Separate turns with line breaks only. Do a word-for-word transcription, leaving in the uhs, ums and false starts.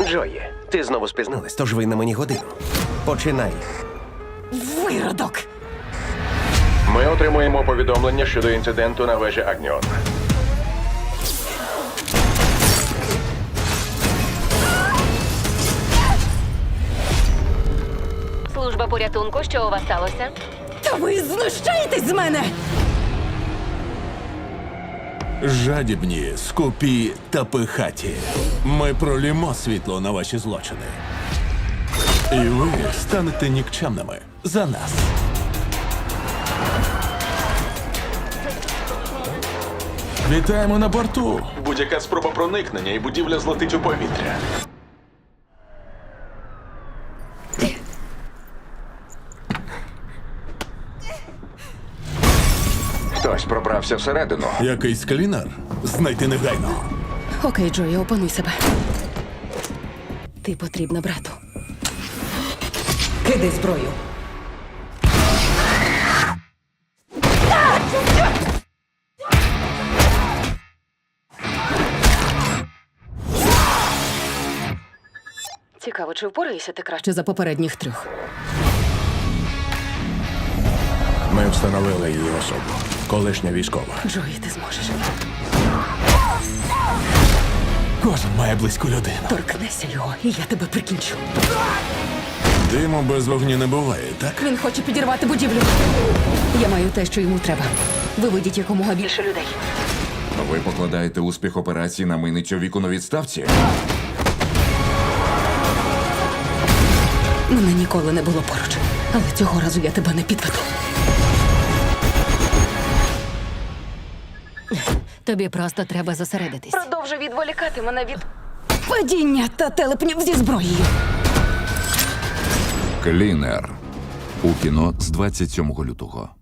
Джої, ти знову спізнилась, тож ви на мені годину. Починай.
Виродок!
Ми отримуємо повідомлення щодо інциденту на вежі Агніон.
Служба порятунку, що у вас сталося?
Та ви знущаєтесь з мене!
Жадібні, скупі та пихаті. Ми пролімо світло на ваші злочини. І ви станете нікчемними за нас. Вітаємо на борту.
Будь-яка спроба проникнення і будівля злетить у повітря. Хтось пробрався всередину.
Якийсь клінер? Знайти негайно.
Окей, Джої, опануй себе. Ти потрібна брату. Кидай зброю. Цікаво, чи впораєшся ти краще за попередніх трьох?
Ми встановили її особу. Колишня військова.
Джої, ти зможеш.
Кожен має близьку людину.
Торкнися його, і я тебе прикінчу.
Диму без вогню не буває, так?
Він хоче підірвати будівлю. Я маю те, що йому треба. Виведіть якомога більше людей.
Ви покладаєте успіх операції на мийницю віку на відставці?
Мене ніколи не було поруч. Але цього разу я тебе не підведу.
Тобі просто треба зосередитись.
Продовжуй відволікати мене від падіння та телепнів зі зброєю.
Клінер. У кіно з двадцять сьомого лютого.